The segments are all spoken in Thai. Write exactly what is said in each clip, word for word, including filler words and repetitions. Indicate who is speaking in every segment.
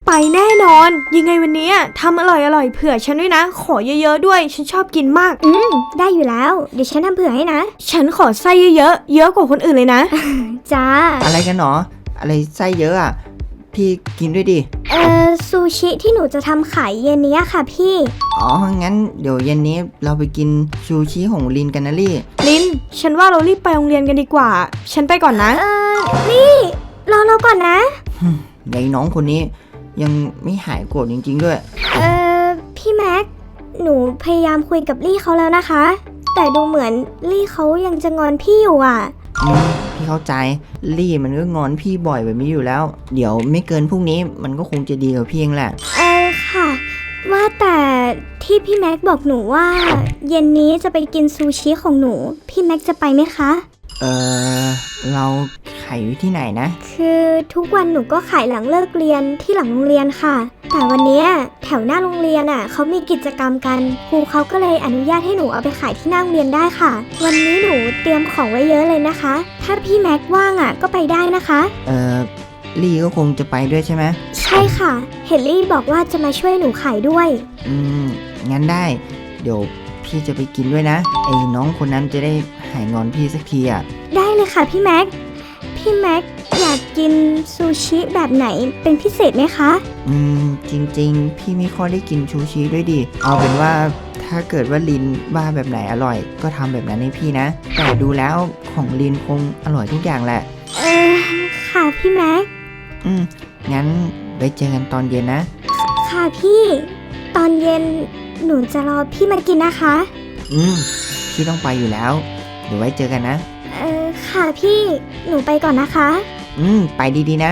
Speaker 1: ไปแน่นอนยังไงวันนี้ทำอร่อยอร่อยเผื่อฉันด้วยนะขอเยอะๆด้วยฉันชอบกินมาก
Speaker 2: อืมได้อยู่แล้วเดี๋ยวฉันทำเผื่อให้นะ
Speaker 1: ฉันขอไส้เยอะๆเยอะกว่าคนอื่นเลยนะ
Speaker 2: จ้า
Speaker 3: อะไรกันหรออะไรไส้เยอะอ่ะพี่กินด้วยดิ
Speaker 2: เอ่อซูชิที่หนูจะทำขายเย็นนี้ค่ะพี่
Speaker 3: อ๋องั้นเดี๋ยวเย็นนี้เราไปกินซูชิของลินกันนะลี่
Speaker 1: ลินฉันว่าเรารีบไปโรงเรียนกันดีกว่าฉันไปก่อนนะ
Speaker 2: เออลี่รอเราก่อนนะ
Speaker 3: ยายน้องคนนี้ยังไม่หายโกรธจริงๆด้วย
Speaker 2: เออพี่แม็กหนูพยายามคุยกับลี่เขาแล้วนะคะแต่ดูเหมือนลี่เขายังจะงอนพี่อยู่อ่ะ
Speaker 3: อืมพี่เข้าใจลี่มันก็งอนพี่บ่อยแบบนี้อยู่แล้วเดี๋ยวไม่เกินพรุ่งนี้มันก็คงจะดีกับพี่เองแหละ
Speaker 2: เออค่ะว่าแต่ที่พี่แม็กบอกหนูว่าเย็นนี้จะไปกินซูชิของหนูพี่แม็กจะไปไหมคะ
Speaker 3: เออเราขายอยู่ที่ไหนนะ
Speaker 2: คือทุกวันหนูก็ขายหลังเลิกเรียนที่หลังโรงเรียนค่ะแต่วันนี้แถวหน้าโรงเรียนอ่ะเขามีกิจกรรมกันครูเขาก็เลยอนุญาตให้หนูเอาไปขายที่หน้าโรงเรียนได้ค่ะวันนี้หนูเตรียมของไว้เยอะเลยนะคะถ้าพี่แม็กว่างอ่ะก็ไปได้นะคะ
Speaker 3: เออลี่ก็คงจะไปด้วยใช่ไหม
Speaker 2: ใช่ค่ะเฮนรี่บอกว่าจะมาช่วยหนูขายด้วย
Speaker 3: อืมงั้นได้เดี๋ยวพี่จะไปกินด้วยนะไอ้น้องคนนั้นจะได้หายงอนพี่สักทีอ่ะ
Speaker 2: ได้เลยค่ะพี่แม็กพี่แม็กอยากกินซูชิแบบไหนเป็นพิเศษไหมคะ
Speaker 3: อืมจริงๆพี่ไม่ค่อยได้กินซูชิด้วยดิเอาเป็นว่าถ้าเกิดว่าลินว่าแบบไหนอร่อยก็ทำแบบนั้นให้พี่นะแต่ดูแล้วของลินคงอร่อยทุกอย่างแหละ
Speaker 2: เออค่ะพี่แม็ก
Speaker 3: อืมงั้นไว้เจอกันตอนเย็นนะ
Speaker 2: ค่ะพี่ตอนเย็นหนูจะรอพี่มากินนะคะ
Speaker 3: อืมพี่ต้องไปอยู่แล้วเดี๋ยวไว้เจอกันนะ
Speaker 2: เออค่ะพี่หนูไปก่อนนะคะ
Speaker 3: อืมไปดีๆนะ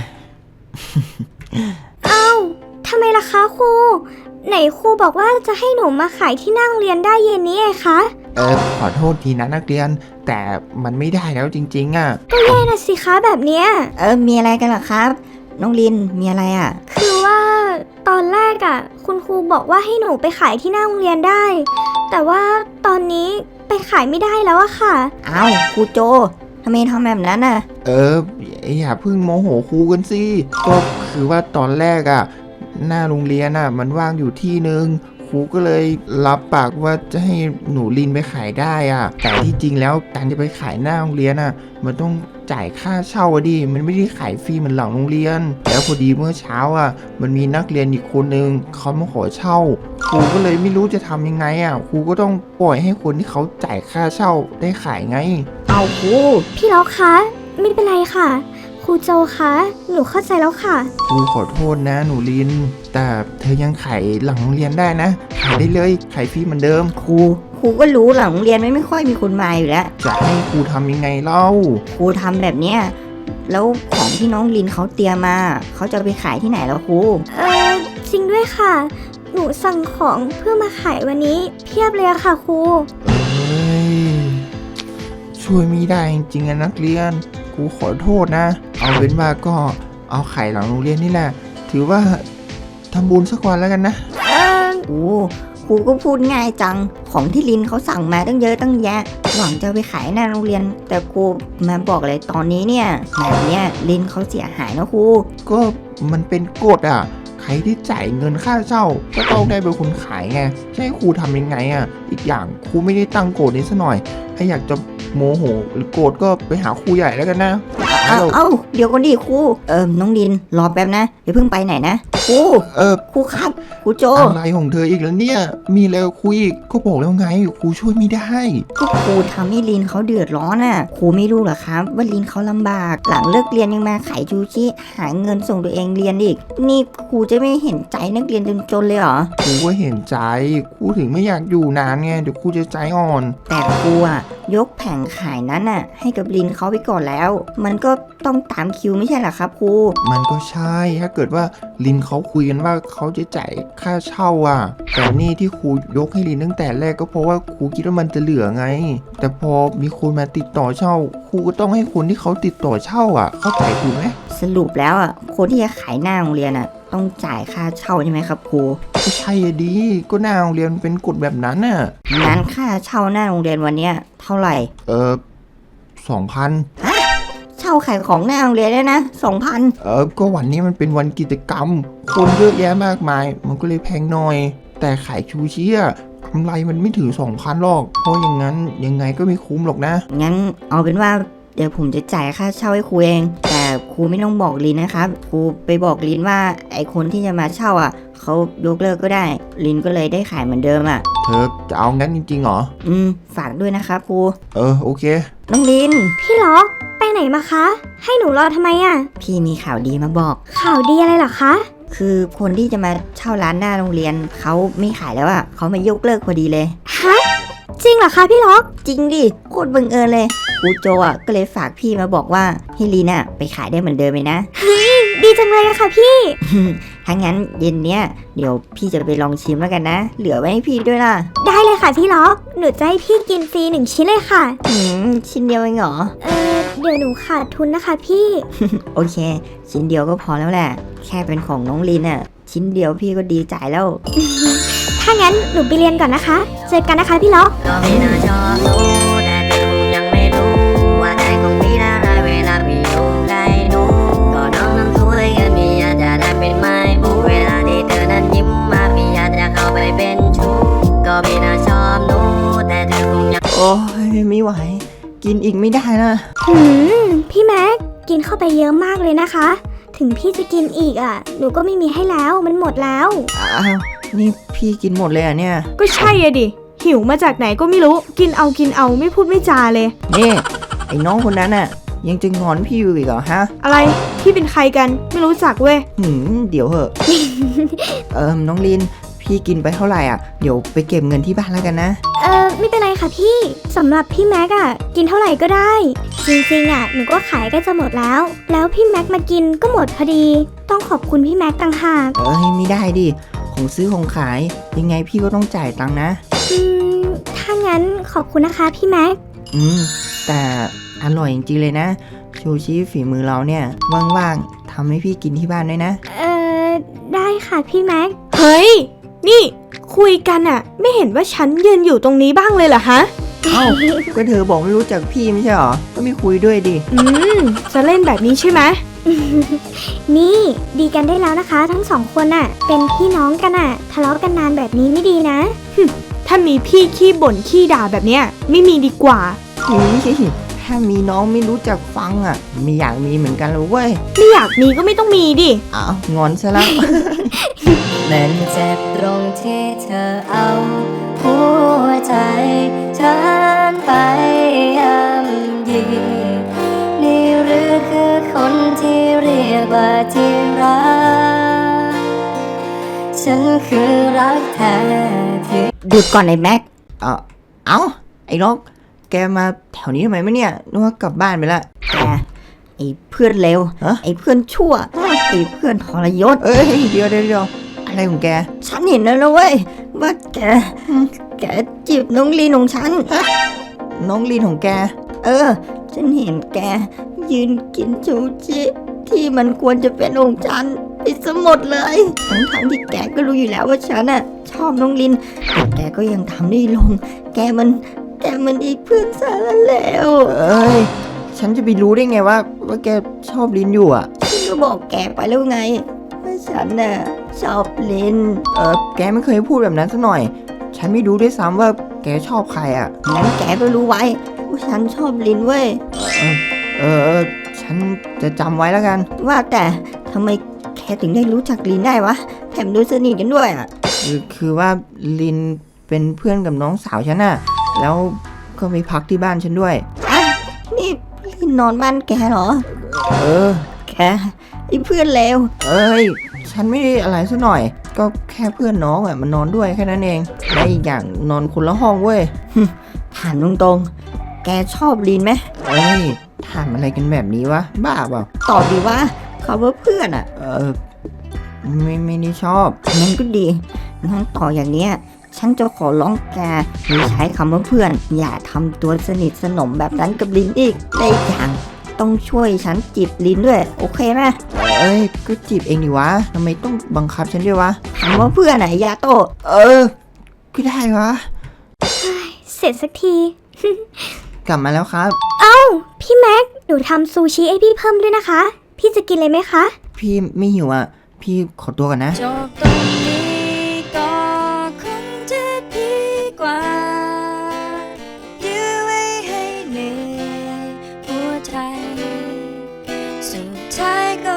Speaker 2: เอ้าทำไมล่ะคะครูไหนครูบอกว่าจะให้หนูมาขายที่นั่งเรียนได้เย็นนี้ไงคะ
Speaker 4: เออขอโทษทีนะนักเรียนแต่มันไม่ได้แล้วจริงๆอ่ะ
Speaker 2: ก็แย่นะสิคะแบบเนี้ย
Speaker 3: เออมีอะไรกันล่ะครับน้องลินมีอะไรอ่ะ
Speaker 2: คือว่าตอนแรกอ่ะคุณครูบอกว่าให้หนูไปขายที่หน้าโรงเรียนได้แต่ว่าตอนนี้ไปขายไม่ได้แล้วอะค่ะ
Speaker 3: อ้าวครูโจทำไมทำแบบนั้นน่ะ
Speaker 4: เอออย่าเพิ่งโมโหครูกันสิก็คือว่าตอนแรกอ่ะหน้าโรงเรียนอ่ะมันว่างอยู่ที่นึงครูก็เลยรับปากว่าจะให้หนูลินไปขายได้อ่ะแต่ที่จริงแล้วการจะไปขายหน้าโรงเรียนอ่ะมันต้องจ่ายค่าเช่าดิมันไม่ได้ขายฟรีเหมือนหลังโรงเรียนแล้วพอดีเมื่อเช้าอ่ะมันมีนักเรียนอีกคนนึงเขามาขอเช่าครูก็เลยไม่รู้จะทำยังไงอ่ะครูก็ต้องปล่อยให้คนที่เขาจ่ายค่าเช่าได้ขายไง
Speaker 3: เอาครู
Speaker 2: พี่ล็อกคะไม่เป็นไรค่ะครูโจคะหนูเข้าใจแล้วค่ะ
Speaker 4: ครูขอโทษนะหนูลินแต่เธอยังขายหลังโรงเรียนได้นะขายได้เลยขายฟรีเหมือนเดิม
Speaker 3: ครูครูก็รู้หลังโรงเรียนไม่ไม่ค่อยมีคนมาอยู่แล้ว
Speaker 4: จะให้ครูทำยังไงเล่า
Speaker 3: ครูทำแบบเนี้ยแล้วของที่น้องลินเขาเตรียมมาเขาจะไปขายที่ไหนแล้วครู
Speaker 2: เออจริงด้วยค่ะหนูสั่งของเพื่อมาขายวันนี้เพียบเลยอะค่ะครู
Speaker 4: เอ้ยช่วยไม่ได้จริงๆนะนักเรียนครูขอโทษนะเอาเป็นว่าก็เอาไข่หลังโรงเรียนนี่แหละถือว่าทำบุญสักวันแล้วกันนะ
Speaker 3: เออครูครูก็พูดง่ายจังของที่ลินเขาสั่งมาตั้งเยอะตั้งแยะหวังจะไปขายหน้าโรงเรียนแต่ครูมาบอกเลยตอนนี้เนี่ยแบบเนี้ยลินเขาเสียหายนะครู
Speaker 4: ก็มันเป็นกฎอ่ะใครที่จ่ายเงินค่าเช่าก็ต้องได้เป็นคนขายไงจะให้ครูทำยังไงอ่ะอีกอย่างครูไม่ได้ตั้งกฎนี้ซะหน่อยถ้าอยากจะโมโหหรือโกรธก็ไปหาครูใหญ่แล้วกันนะ
Speaker 3: เอาเอาเดี๋ยวก่อนดิครูเออน้องลินรอแป๊บนะเดี๋ยวเพิ่งไปไหนนะครู
Speaker 4: เออ
Speaker 3: ครูครับครูโจ
Speaker 4: อะไรของเธออีกแล้วเนี่ยมีแล้วคุยอีกก็บอกแล้วไงครูช่วยไม่ได้
Speaker 3: ก็ครูทำให้ลินเขาเดือดร้อนอ่ะครูไม่รู้หรอครับว่าลินเขาลำบากหลังเลิกเรียนยังมาขายชูชิหาเงินส่งตัวเองเรียนอีกนี่ครูจะไม่เห็นใจนักเรียนจนๆเลยเหรอ
Speaker 4: ครูก็เห็นใจครูถึงไม่อยากอยู่นานไงเดี๋ยวครูจะใจอ่อน
Speaker 3: แต่ครูอ่ะยกแผงขายนั้นน่ะให้กับลินเขาไปก่อนแล้วมันก็ต้องตามคิวไม่ใช่หรอครับครู
Speaker 4: มันก็ใช่ถ้าเกิดว่าลินเขาคุยกันว่าเขาจะจ่ายค่าเช่าอ่ะแต่นี่ที่ครูยกให้ลินตั้งแต่แรกก็เพราะว่าครูคิดว่ามันจะเหลือไงแต่พอมีคนมาติดต่อเช่าครูก็ต้องให้คนที่เขาติดต่อเช่าอ่ะเข้าใจถูกไหม
Speaker 3: สรุปแล้วอ่ะคนที่จะขายหน้าโรงเรียนอ่ะต้องจ่ายค่าเช่าใช่ไหมครับครู
Speaker 4: ก็ใช่ดีก็หน้าโรงเรียนเป็นกฎแบบนั้นน่ะ
Speaker 3: งั้นค่าเช่าหน้าโรงเรียนวันเนี้ยเท่าไหร่
Speaker 4: เออสองพัน
Speaker 3: ฮะเช่าาขายของหน้าโรงเรียนได้นะสองพัน
Speaker 4: เออก็วันนี้มันเป็นวันกิจกรรม คนเยอะแยะมากมาย มันก็เลยแพงหน่อย แต่ขายชูชีอะกำไรมันไม่ถึงสองพันหรอก เพราะอย่างนั้นยังไงก็ไม่คุ้มหรอกนะ
Speaker 3: งั้นเอาเป็นว่าเดี๋ยวผมจะจ่ายค่าเช่าให้ครูเอง แต่ครูไม่ต้องบอกลินนะครับครูไปบอกลินว่าไอคนที่จะมาเช่าอ่ะเขายกเลิกก็ได้ลินก็เลยได้ขายเหมือนเดิมอ่ะ
Speaker 4: เธอจะเอางั้นจริงๆเหรอ
Speaker 3: อืมฝากด้วยนะครับครู
Speaker 4: เออโอเค
Speaker 3: น้องลิน
Speaker 2: พี่ล็อกไปไหนมาคะ ให้หนูรอทำไมอะ
Speaker 3: พี่มีข่าวดีมาบอก
Speaker 2: ข่าวดีอะไรเหรอคะ
Speaker 3: คือคนที่จะมาเช่าร้านหน้าโรงเรียนเขาไม่ขายแล้วอ่ะเขามายกเลิกพอดีเลย
Speaker 2: ฮะ จริงเหรอคะพี่ล็อก
Speaker 3: จริงดิโคตรบังเอิญเลยครูโจอ่ะก็เลยฝากพี่มาบอกว่าให้ลินอ่ะไปขายได้เหมือนเดิมเลยนะ
Speaker 2: ดีจังเลยอะค่ะพี่
Speaker 3: ถ้างั้นเย็นเนี้ยเดี๋ยวพี่จะไปลองชิมแล้วกันนะ เหลือไว้ให้พี่ด้วยล่ะ
Speaker 2: ได้เลยค่ะพี่ล็อก หนูจะให้พี่กินฟรีหนึ่งชิ้นเลยค่ะ
Speaker 3: หืมชิ้นเดียวเองเหรอ
Speaker 2: เออเดี๋ยวหนูขาดทุนนะคะพี่
Speaker 3: โอเค ชิ้นเดียวก็พอแล้วแหละ แค่เป็นของน้องลินอ่ะ ชิ้นเดียวพี่ก็ดีใจแล้ว
Speaker 2: ถ้างั้นหนูไปเรียนก่อนนะคะ เจอกันนะคะพี่ล็อก
Speaker 5: ก็ไม่น่าชอบรู้แต่เธอคงยังไม่รู้ว่าใจของพี่น่ารักเวลาพี่อยู่ใกล้หนูก็น้องนั้นสวยกันพี่อยากจะได้เป็นไม้บุเวลาที่เธอนั้นยิ้มมาพี่อยากจะเข้าไปเป็นชู้ก็ไม่น่าชอบหนูแต่เธอคงยัง
Speaker 4: โอ้ยไม่ไหว กินอีกไม่ได้นะ
Speaker 2: หืม พี่แม็ก กินเข้าไปเยอะมากเลยนะคะ ถึงพี่จะกินอีกอ่ะ หนูก็ไม่มีให้แล้ว มันหมดแล้ว
Speaker 4: อ้าว นี่พี่กินหมดเลยเหรอ่ะเนี่ย
Speaker 1: ก็ใช่อะดิ หิวมาจากไหนก็ไม่รู้ กินเอากินเอาไม่พูดไม่จาเลย
Speaker 4: นี่ ไอ้น้องคนนั้นน่ะ ยังจะงอนพี่อยู่อีกเหรอฮะ
Speaker 1: อะไร พี่เป็นใครกัน ไม่รู้จักเว้ย
Speaker 4: หืมเดี๋ยวเหอะ เอิมน้องลิน พี่กินไปเท่าไหร่อ่ะ เดี๋ยวไปเก็บเงินที่บ้านแล้วกันนะ
Speaker 2: เออไม่เป็นไรค่ะพี่ สำหรับพี่แม็กอะกินเท่าไหร่ก็ได้ จริงๆอะหนูก็ขายใกล้จะหมดแล้ว แล้วพี่แม็กมากินก็หมดพอดี ต้องขอบคุณพี่แม็กต่างหาก
Speaker 4: เอ้ยไม่ได้ดิ ของซื้อของขาย ยังไงพี่ก็ต้องจ่ายตังค์นะ
Speaker 2: อืม ถ้างั้นขอบคุณนะคะพี่แม็ก
Speaker 4: อืม แต่อร่อยจริงๆเลยนะ ชูชีฝีมือเราเนี่ย ว่างๆทำให้พี่กินที่บ้านด้วยนะ
Speaker 2: เออได้ค่ะพี่แม็ก
Speaker 1: เฮ้ย นี่คุยกันอะไม่เห็นว่าฉันยืนอยู่ตรงนี้บ้างเลยเหรอฮะ
Speaker 4: เอ้า ก็เธอบอกไม่รู้จักพี่ไม่ใช่หรอ ก็ไม่คุยด้วยดิ
Speaker 1: อืม จะเล่นแบบนี้ใช่ไหม
Speaker 2: นี่ดีกันได้แล้วนะคะ ทั้งสองคนอะเป็นพี่น้องกันอะทะเลาะกันนานแบบนี้ไม่ดีนะ
Speaker 1: ถ้ามีพี่ขี้บ่นขี้ด่าแบบเนี้ยไม่มีดีกว่า
Speaker 4: นี่ถ้ามีน้องไม่รู้จักฟังอ่ะ ไม่อยากมีเหมือนกันเลยเว้ย
Speaker 1: ไม่อยากมีก็ไม่ต้องมีดิ
Speaker 4: อ้าวงอนซะแล้ว
Speaker 5: มันเจ็บตรงที่เธอเอาหัวใจฉันไปย่ำยีนี่หรือคือคนที่เรียกว่าที่รักฉันคือรักแท้ที่
Speaker 3: หยุดก่อนไอ้แม็ก
Speaker 4: เอ้าเอ้า ไอ้นก แกมาแถวนี้ทำไมไม่เนี่ยนึกว่ากลับบ้านไปละ
Speaker 3: แกไอ้เพื่อนเลว
Speaker 4: ฮะ
Speaker 3: ไอ้เพื่อนชั่วไอ้เพื่อนทรยศ
Speaker 4: เอ้ยเดี๋ยวเดี๋ยวเดี๋ยวอะไรของแก
Speaker 3: ฉันเห็นแล้วนะเว้ยว่าแกแกจีบน้องลีนของฉัน
Speaker 4: น้องลินของแก
Speaker 3: เออ ฉันเห็นแกยืนกินชูชิที่มันควรจะเป็นของฉันไปซะหมดเลยทั้งทั้งๆที่แกก็รู้อยู่แล้วว่าฉันน่ะชอบน้องลินแต่แกก็ยังทำได้ลง แกมันแกมันไอ้เพื่อนสารแล้ว
Speaker 4: เอ้ย ฉันจะไปรู้ได้ไงว่า ว่าแกชอบลินอยู่อ่ะ
Speaker 3: ฉันก็บอกแกไปแล้วไงว่าฉันน่ะชอบลิน
Speaker 4: เออแกไม่เคยพูดแบบนั้นสักหน่อย ฉันไม่รู้ด้วยซ้ำว่าแกชอบใครอ่ะ
Speaker 3: งั้นแกก็รู้ไว้ว่าฉันชอบลินเว้ย
Speaker 4: เออเออเออฉันจะจำไว้แล้วกัน
Speaker 3: ว่าแต่ทำไมแกถึงได้รู้จักลินได้วะแถมดูสนิทกันด้วยอ่ะ
Speaker 4: คือคือว่าลินเป็นเพื่อนกับน้องสาวฉันน่ะ แล้วก็ไปพักที่บ้านฉันด้วย
Speaker 3: อ่ะนี่ลินนอนบ้านแกเหรอ
Speaker 4: เออ
Speaker 3: แกไอ้เพื่อนเลว
Speaker 4: เอ้ย ฉันไม่ได้อะไรสักหน่อย ก็แค่เพื่อนน้องอ่ะมันนอนด้วยแค่นั้นเอง และอีกอย่างนอนคนละห้องเว้ย
Speaker 3: ถามตรงๆ แกชอบลินไหม
Speaker 4: เอ้ยถามอะไรกันแบบนี้วะ บ้าเปล่า
Speaker 3: ตอบดีว่าเขาว่าเพื่อนอ่ะ
Speaker 4: เออ ไม่ไม่ได้ชอบ
Speaker 3: งั้นก็ดีงั้นต่ออย่างเนี้ย ฉันจะขอร้องแกอย่าใช้คำว่าเพื่อน อย่าทำตัวสนิทสนมแบบนั้นกับลินอีกและอีกอย่างต้องช่วยฉันจีบลินด้วย โอเคไหม
Speaker 4: เอ้ย ก็จีบเองดิวะทำไมต้องบังคับฉันด้วยวะ
Speaker 3: คำว่าเพื่อนไหนยาโตะ
Speaker 4: เออก็ได้วะ
Speaker 2: เสร็จสักที
Speaker 4: ก
Speaker 3: กลับมาแล้วครับ
Speaker 2: พี่แม็ก หนูทำซูชิให้พี่เพิ่มด้วยนะคะ พี่จะกินเลยไหมคะ
Speaker 3: พี่ไม่หิวอ่ะ พี่ขอตัวก่อนนะ
Speaker 5: จบตรงนี้ก็คงจะดีกว่ายื้อไว้ให้เหนื่อยหัวใจสุดท้ายก็